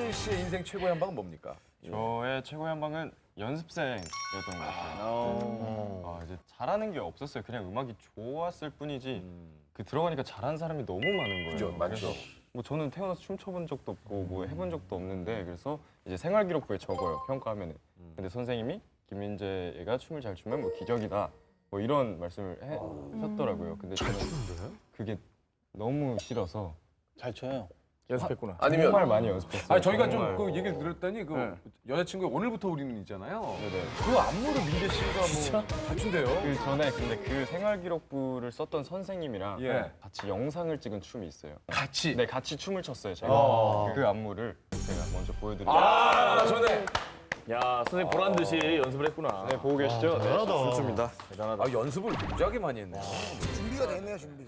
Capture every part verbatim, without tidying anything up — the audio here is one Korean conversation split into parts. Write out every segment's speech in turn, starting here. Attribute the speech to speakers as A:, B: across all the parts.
A: 민재 씨의 인생 최고의 한 방은 뭡니까?
B: 저의 최고의 한 방은 연습생이었던 것 같아요. 아, 이제 잘하는 게 없었어요. 그냥 음악이 좋았을 뿐이지 그 들어가니까 잘하는 사람이 너무 많은 거예요.
A: 그죠, 많죠.
B: 그래서 뭐 저는 태어나서 춤춰본 적도 없고 뭐 해본 적도 없는데 그래서 이제 생활기록부에 적어요. 평가하면은. 근데 선생님이 김민재 얘가 춤을 잘 추면 뭐 기적이다. 뭐 이런 말씀을 해, 하셨더라고요. 근데 저는 그게 너무 싫어서
C: 잘 쳐요.
D: 연습했구나.
A: 아니면
B: 정말 많이 연습했어요.
A: 아 저희가
B: 정말.
A: 좀 그 얘기를 들었더니 그
D: 네.
A: 여자친구의 오늘부터 우리는 있잖아요.
B: 네네.
A: 그 안무를 민재 씨가 뭐 잘 춘대요.
B: 그 전에 근데 그 생활기록부를 썼던 선생님이랑
A: 예.
B: 같이 영상을 찍은 춤이 있어요.
A: 같이.
B: 네, 같이 춤을 췄어요. 제가
A: 아.
B: 그 안무를 제가 먼저 보여드릴게요.
A: 아 전에
D: 야, 선생님 보란 듯이 연습을 했구나.
B: 네, 보고 계시죠? 네, 춤춥니다.
D: 대단하다.
A: 아, 연습을 무지하게 많이 했네.
E: 준비가 돼 있네요, 준비가.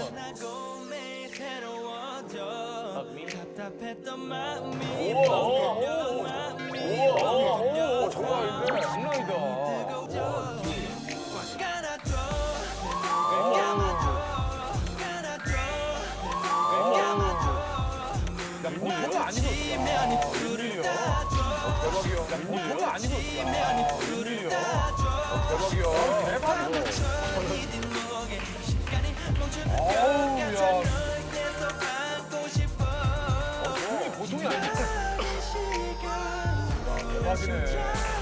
A: 오 정말인데 장난 아니다. 야 보통이 아니고 대박이야. 야 보통이 아니고 대박이야. 대박이야. 어우 야. 어, 춤이 보통이 아니야. 대박이네.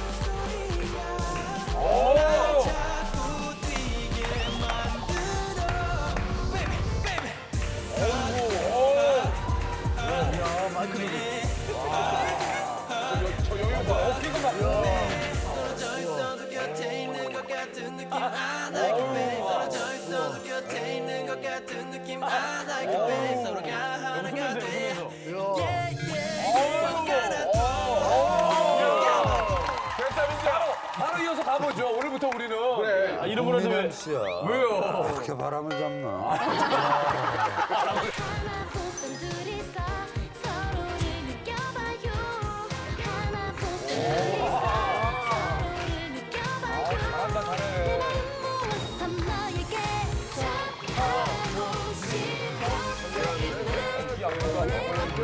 A: 오. 저 여기 봐. 어깨가 막. 됐다 민재. 바로 이어서 가보죠. 오늘부터 우리는. 그래.
D: 아, 이름으로 는
E: 민현 씨야.
A: 왜요?
E: 그렇게 바람을 잡나?
A: 잘한다 잘해. 이 안무가 아니야.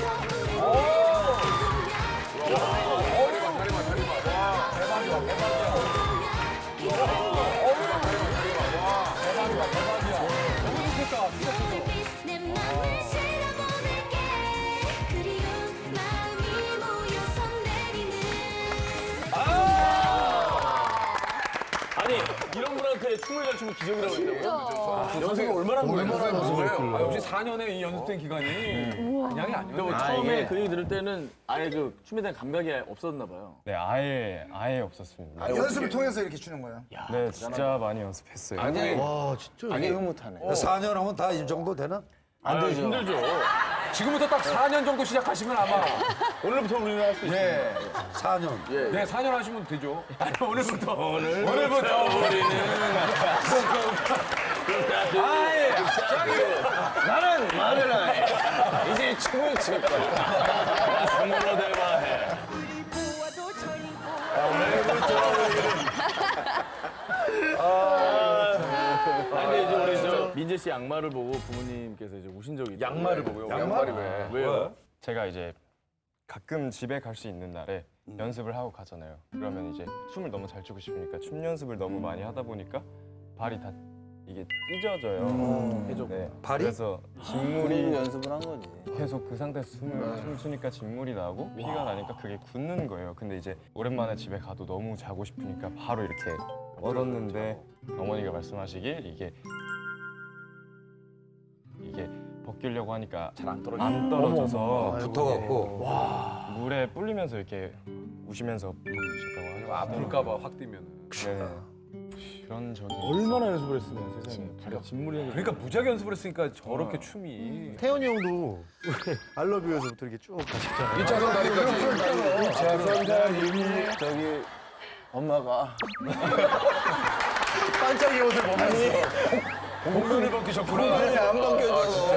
F: 내 맘을 실어보낼게 그리운 마음이 모여서 내리는
D: 아니, 이런 분한테 춤을 잘 추면 기적이라고 했다고요? 연습을 얼마나 한 거예요?
A: 얼마나 연습을 해요? 아, 역시 사 년의 이 연습된 기간이 그냥이 아니었네.
D: 처음에 그 얘기 들을 때는 아예 그 춤에 대한 감각이 없었나 봐요.
B: 네, 아예 아예 없었습니다.
E: 연습을 통해서 이렇게 추는 거예요?
B: 네, 진짜 많이 연습했어요.
A: 아니,
C: 와, 진짜. 아니, 흐뭇하네.
E: 사 년 하면 다 이 정도 되나?
D: 안 되죠. 힘들죠.
A: 지금부터 딱 사 년 정도 시작하시면 아마
D: 오늘부터 우리는 할 수 있어요.
A: 예,
E: 사 년.
A: 네, 사 년 하시면 되죠. 아니, 오늘부터
D: 오늘
A: 오늘부터
D: 우리는
A: 아예
D: 나는 말을 안 해. 이제 춤을 출 거야. 춤으로 대화해. 아, 근데 이제 우리 저 민재 씨 양말을 보고 부모님께서 이제 우신 적이 있다고.
A: 양말을 보고요. 양말이 왜?
D: 왜요?
B: 제가 이제 가끔 집에 갈 수 있는 날에 연습을 하고 가잖아요. 그러면 이제 춤을 너무 잘 추고 싶으니까 춤 연습을 너무 많이 하다 보니까 발이 다 이게 찢어져요.
D: 해줬구나.
B: 네.
E: 발이?
B: 그래서 진물이
C: 연습을 한 거지.
B: 계속 그 상태에서 숨을 숨 쉬니까 진물이 나고 피가 나니까 그게 굳는 거예요. 근데 이제 오랜만에 집에 가도 너무 자고 싶으니까 바로 이렇게 뻗었는데 어머니가 말씀하시길 이게 이게 벗기려고 하니까
D: 잘 안 떨어져.
B: 안 떨어져서
E: 붙어갖고.
B: 물에 불리면서 이렇게 우시면서 벗기셨다고 하죠.
A: 아플까봐 확 뛰면.
B: 네. 그런 적이
D: 얼마나 연습을 했으면 세상에. 발이 진물이
A: 그러니까 무지하게 연습을 했으니까 저렇게 춤이.
G: 태연이 형도 알러뷰에서부터 이렇게 쭉 가셨잖아요.
A: 이 차선 다리까지.
C: 이 차선 달리기 저기 엄마가
G: 반짝이 옷을 벗으면서
A: 공면을 벗기셨구나.
C: 눈이 안 벗겨져서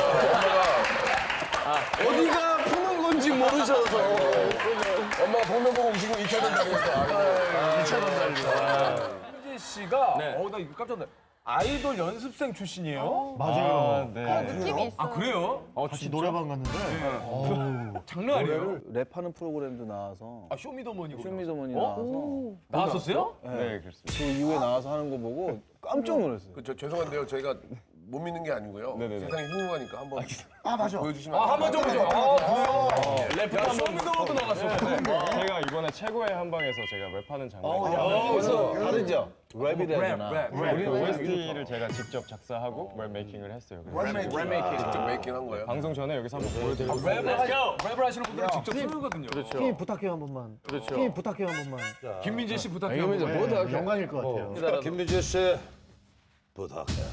C: 어디가 푸는 건지 모르셔서
A: 엄마가 보면 보고 우시고 이 차선 다리에서.
C: 이 차선 달리기.
A: 민재 씨가
D: 네.
A: 어 나 이거 깜짝 놀랐. 아이돌 연습생 출신이에요?
G: 맞아요.
B: 아, 네.
H: 느낌이 있어.
A: 아 그래요? 어,
G: 같이 노래방 갔는데 어우,
A: 장난 아니에요?
C: 랩하는 프로그램도 나와서
A: 아 쇼미더머니
C: 쇼미더머니 나와서
A: 나왔었어요?
B: 네, 그렇습니다.
C: 그 이후에 나와서 하는 거 보고 깜짝 놀랐어요.
D: 그, 저, 죄송한데요. 저희가 못 믿는 게 아니고요.
B: 네네네.
D: 세상이 흉흉하니까 한번
E: 아 맞아.
D: 보여주시면
A: 아
D: 안
A: 한번
D: 돼요?
A: 좀 보죠. 아 그래요? 랩 쇼미더머니도 나갔어.
B: 제가 이번에 최고의 한방에서 제가 랩하는 장면이
C: 그래서 다르죠? 랩이 되잖아.
A: 랩, 랩.
B: 우리 오에스티를 제가 직접 작사하고 랩 메이킹을 했어요. 그래서
E: 랩메이킹.
A: 랩메이킹.
D: 직접 메이킹 한 거예요?
B: 방송 전에 여기서 한번 보여드리고
A: 랩을, 하, 랩을 하시는 분들은 직접 쓰거든요.
G: 팀 부탁해요 한 번만. 팀 부탁해요 한 번만.
A: 김민재 씨 부탁해요.
C: 김민재 뭐 다-
G: 영광일 것 같아요.
C: 김민재 씨 부탁해요.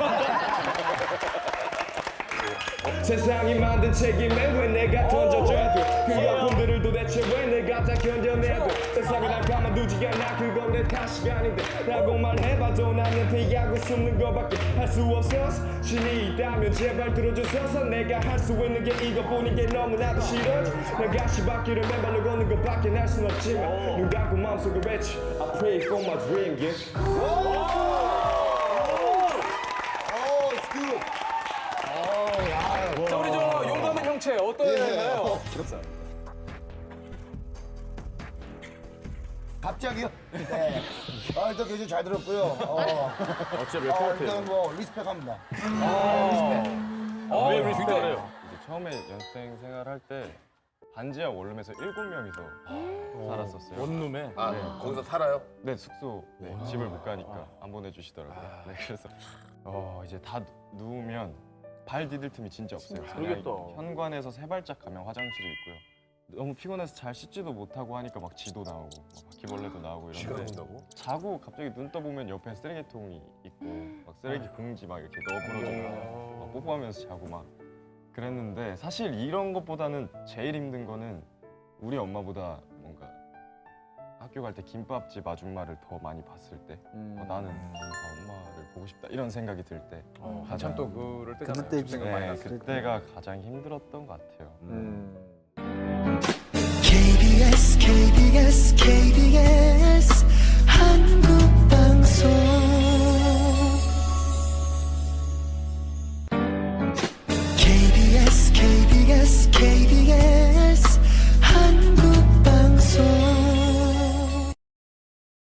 I: 세상이 만든 책임에 왜 내가 던져줘야 돼? 그 아픔들을 도대체 왜 내가 다 견뎌내야 돼? 세상이 날 가만두지 않아 그건 내 탓이 아닌데 라고 말해봐도 나는 피하고 숨는 거밖에 할 수 없어서 신이 있다면 제발 들어줘서 내가 할 수 있는 게 이것뿐인 게 너무나도 싫어 내가 시바퀴를 맨발로 걷는 것밖에 할 순 없지만 눈 감고 마음속에 외치 I pray for my dream yeah.
A: 자 우리 저 용감한 형체 어떠나요?
E: 갑자기요? 네. 아, 일단 굉장히 잘 들었고요. 어. 어째 몇 어, 일단 뭐 리스펙합니다.
A: 어,
B: 왜
A: 굉장히
B: 리스펙해요? 이제 처음에 연습생 생활할 때 반지하 원룸에서 일곱 명이서 살았었어요.
A: 원룸에.
D: 아, 거기서 살아요?
B: 네, 숙소 네, 집을 못 가니까 안 보내주시더라고요. 네, 그래서 어, 이제 다 누- 누우면 발 디딜 틈이 진짜 없어요. 그냥 현관에서 세 발짝 가면 화장실이 있고요. 너무 피곤해서 잘 씻지도 못하고 하니까 막 쥐도 나오고 막 바퀴벌레도 나오고 이런데 자고 갑자기 눈 떠보면 옆에 쓰레기통이 있고 막 쓰레기 봉지 막 이렇게 너부러지고 막 뽀뽀하면서 자고 막 그랬는데 사실 이런 것보다는 제일 힘든 거는 우리 엄마보다 뭔가 학교 갈 때 김밥집 아줌마를 더 많이 봤을 때 어, 나는 아, 엄마를 보고 싶다 이런 생각이 들 때
A: 어, 한참 또 그럴 때잖아요.
G: 그때지.
A: 생각 많이
B: 네,
A: 났을 때.
B: 그때가 가장 힘들었던 것 같아요.
F: 케이비에스 케이비에스 케이비에스 한국방송 케이비에스 케이비에스 케이비에스